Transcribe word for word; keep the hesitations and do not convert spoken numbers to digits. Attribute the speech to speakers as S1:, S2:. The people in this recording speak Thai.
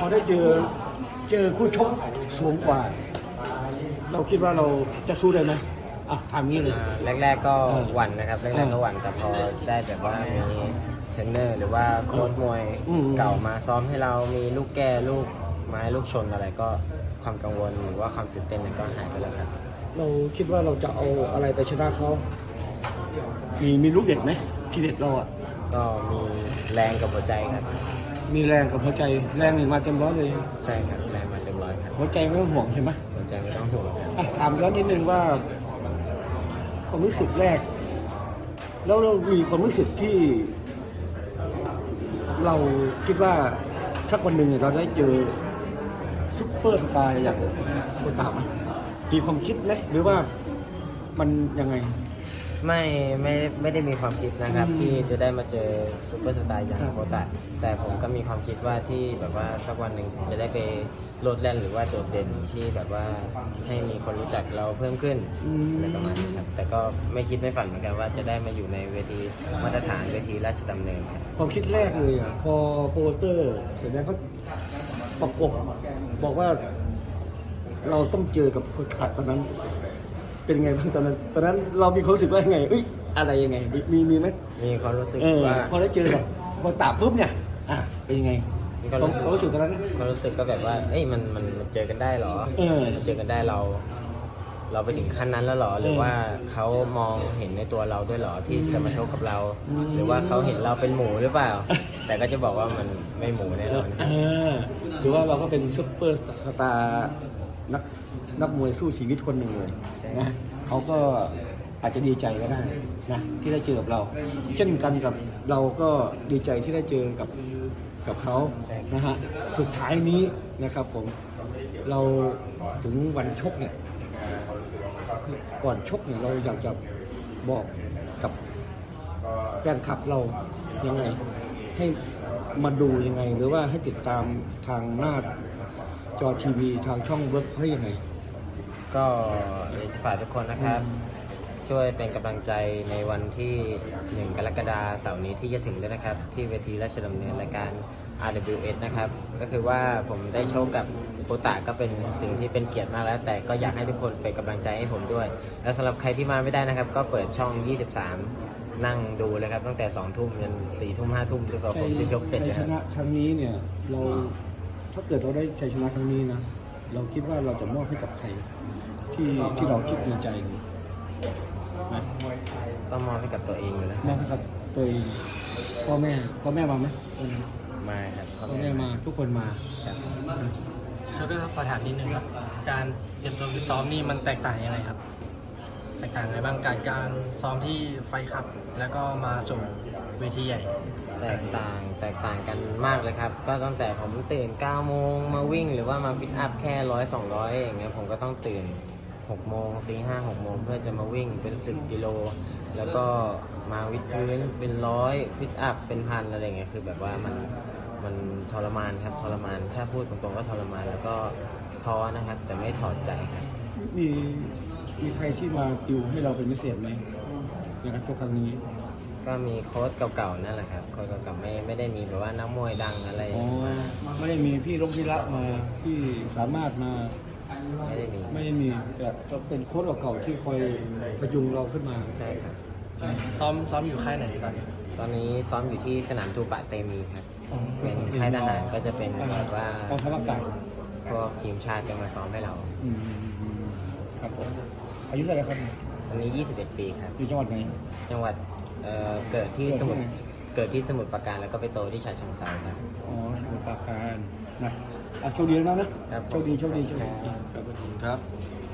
S1: อได้เจอเจอคู่ชกสูงกว่า เราคิดว่าเราจะสู้ได้ไหมอ่ะถามงี้เลย
S2: อ่าแรกๆก็
S1: เออ
S2: หวั่นนะครับแรกๆก็หวั่นแต่พอได้แบบว่ามีเทรนเนอร์หรือว่าโค้ชมวย
S1: อืม
S2: เก่ามาซ้อมให้เรามีลูกแก้ลูกไม้ลูกชนอะไรก็ความกังวลหรือว่าความตื่นเต้นนั้นก็หายไปแล้วครับ
S1: เราคิดว่าเราจะเอาอะไรไปชนะเขา มีมีลูกเด็ดไหมที่เด็ดเราอ่ะ
S2: ก็มีแรงกับหัวใจครับ
S1: มีแรงกับหัวใจแรงนี่มาเต็มร้อยเลย
S2: ใช่ครับแรงมาเต็มร้อยครับ
S1: หัวใจไม่ต้องห่วงใช่ไหม
S2: หัวใจไม่ต้องห่วงครับ
S1: อ่ะถามย้อนนิดนึงว่าความรู้สึกแรก แล้วเรามีความรู้สึกที่ เราคิดว่าสักวันหนึ่งเนี่ยเราได้เจอซุปเปอร์สตาร์อย่างโคตาไหมมีความคิดไหมหรือว่ามันยังไง
S2: ไม่ไม่ไม่ได้มีความคิดนะครับ
S1: อืม
S2: ที่จะได้มาเจอซูเปอร์สตาร์อย่าง
S1: ครับ
S2: โคตะแต่ผมก็มีความคิดว่าที่แบบว่าสักวันหนึ่งจะได้ไปโลดแล่นหรือว่าโดดเด่นที่แบบว่าให้มีคนรู้จักเราเพิ่มขึ้น
S1: อืม
S2: อะไรประมาณนี้ครับแต่ก็ไม่คิดไม่ฝันเหมือนกันว่าจะได้มาอยู่ในเวทีมาตรฐานเวทีราชดำเนินครับ
S1: ความคิดแรกเลยอ่ะพอโปรโมเตอร์เสร็จแล้วเขาประกบบอกว่า เราต้องเจอกับคนขาดตอนนั้น เป็นไงบ้างตอนนั้น ตอนนั้นเรามีความรู้สึกว่ายังไงเอ้ยอะไรยังไง มีมีมีไหม
S2: มีความรู้สึก
S1: เออ
S2: ว่า
S1: พอได้เจอแบบพอตาปุ๊บเนี่ย อ่ะเป็นยังไง
S2: มี
S1: ความ
S2: ความรู้สึก
S1: ความรู้สึกตอนนั้นนะ
S2: ความรู้สึกก็แบบว่าเอ้ยมันมันมันเจอกันได้เหรอ
S1: เออ
S2: มันเจอกันได้เรา เราไปถึงขั้นนั้นแล้วเหรอหรือว่าเขามองเห็นในตัวเราด้วยเหรอที่จะมาชกกับเรา
S1: อืม
S2: หรือว่าเขาเห็นเราเป็นหมูหรือเปล่า แต่ก็จะบอกว่ามันไม่หมูแน่นอนค
S1: เอ
S2: รับ
S1: อถือว่าเราก็เป็นซุปเปอร์สตาร์นักนักมวยสู้ชีวิตคนหนึ่งเลยนะเขาก็อาจจะดีใจก็ได้นะที่ได้เจอกับเรา เช่นกันกับเราก็ดีใจที่ได้เจอกับกับเขานะฮะสุดท้ายนี้นะครับผมเราถึงวันชกเนี่ยก่อนชกเนี่ยเราอยากจะบอกกับแฟนคลับเรายังไง ให้มาดูยังไง หรือว่าให้ติดตามทางหน้าจอทีวีทางช่องเวิร์กเขายังไง
S2: ก็อยากจะฝากทุกคนนะครับ ช่วยเป็นกำลังใจในวันที่หนึ่งกรกฎาคมเสาร์นี้ที่จะถึงด้วยนะครับ ที่เวทีราชดำเนินรายการ อาร์ ดับเบิลยู เอส นะครับก็คือว่าผมได้โชคกับโคตะก็เป็นสิ่งที่เป็นเกียรติมากแล้ว แต่ก็อยากให้ทุกคนเป็นกำลังใจให้ผมด้วย และสำหรับใครที่มาไม่ได้นะครับ ก็เปิดช่อง ยี่สิบสาม นั่งดูเลยครับตั้งแต่สองทุ่มจนสี่ทุ่มห้าทุ่มจนกว่าผมจะชกเสร็จ
S1: ชัย
S2: นะ
S1: ช
S2: ครับ
S1: นะครั้งนี้เนี่ยเราถ้าเกิดเราได้ชัยชนะครั้งนี้นะเราคิดว่าเราจะมอบให้กับใครที่ที่เราคิดในใจนี่นะ
S2: ต้องมอบให้กับตัวเองอยู่แล้ว
S1: มอบให้กับตัวเองพ่อแม่พ่อแม่มาไหมวันนี้
S2: มาครับ
S1: พ่อแม่มาทุกคนมา
S2: ครับ
S3: โชคเกอร์ขอถามนิดนึงครับ การเตรียมตัวฟิตซ้อมนี่มันแตกต่างยังไงครับ แตกต่างยังไงบ้างการการซ้อมที่ไฟคัพแล้วก็มาสู่เวทีใหญ่
S2: แตกต่างแตกต่างกันมากเลยครับ ก็ตั้งแต่ผมตื่นเก้าโมงมาวิ่งหรือว่ามาฟิตอัพแค่ร้อยสองร้อยอย่างเงี้ยผมก็ต้องตื่นหกโมงตีห้าหกโมงเพื่อจะมาวิ่งเป็นสิบกิโลแล้วก็มาวิดพื้นเป็นร้อยฟิตอัพเป็นพันอะไรเงี้ยคือแบบว่ามันมันทรมานครับทรมานถ้าพูดตรงๆก็ทรมานแล้วก็ท้อนะครับ แต่ไม่ถอดใจครับ
S1: มีมีใครที่มาติวให้เราเป็นพิเศษไหมในการชกครั้งนี้
S2: ก็มีโค้ชเก่าๆนั่นแหละครับโค้ชเก่าๆไม่ไม่ได้มีแบบว่านักมวยดังอะไร
S1: อ๋อ
S2: มา
S1: ไม่ได้มีพี่ลงพิระมาพี่สามารถมา
S2: ไม่ได้มี
S1: ไม่ได้มีแต่ก็เป็นโค้ชเก่าๆที่คอยพยุงเราขึ้นมา
S2: ใช่ครับ
S3: ซ้อมซ้อมอยู่ค่ายไหนตอนนี้
S2: ตอนนี้ซ้อมอยู่ที่สนามทูปะเตมีครับเป็นค่ายทหารก็จะเป็นแบบว่าก
S1: องทัพอากาศ
S2: พวกทีมชาติจะมาซ้อมให้เรา
S1: อืมครับผมอายุเท่าไหร่ครับ
S2: ตอนนี้ยี่สิบเอ็ดปีครับ
S1: อยู่จังหวัดไหน
S2: จังหวัดเอ่อเกิดที่
S1: เกิดที่
S2: สมุทร
S1: ไหน
S2: เกิดที่สมุทรปราการแล้วก็ไปโตที่ฉะเชิงเทราครับ
S1: อ๋อสมุทรปราการนะอ่ะโชคดีนะนะครับ โชคดีโชคดีโชคดีครับ
S4: ครับ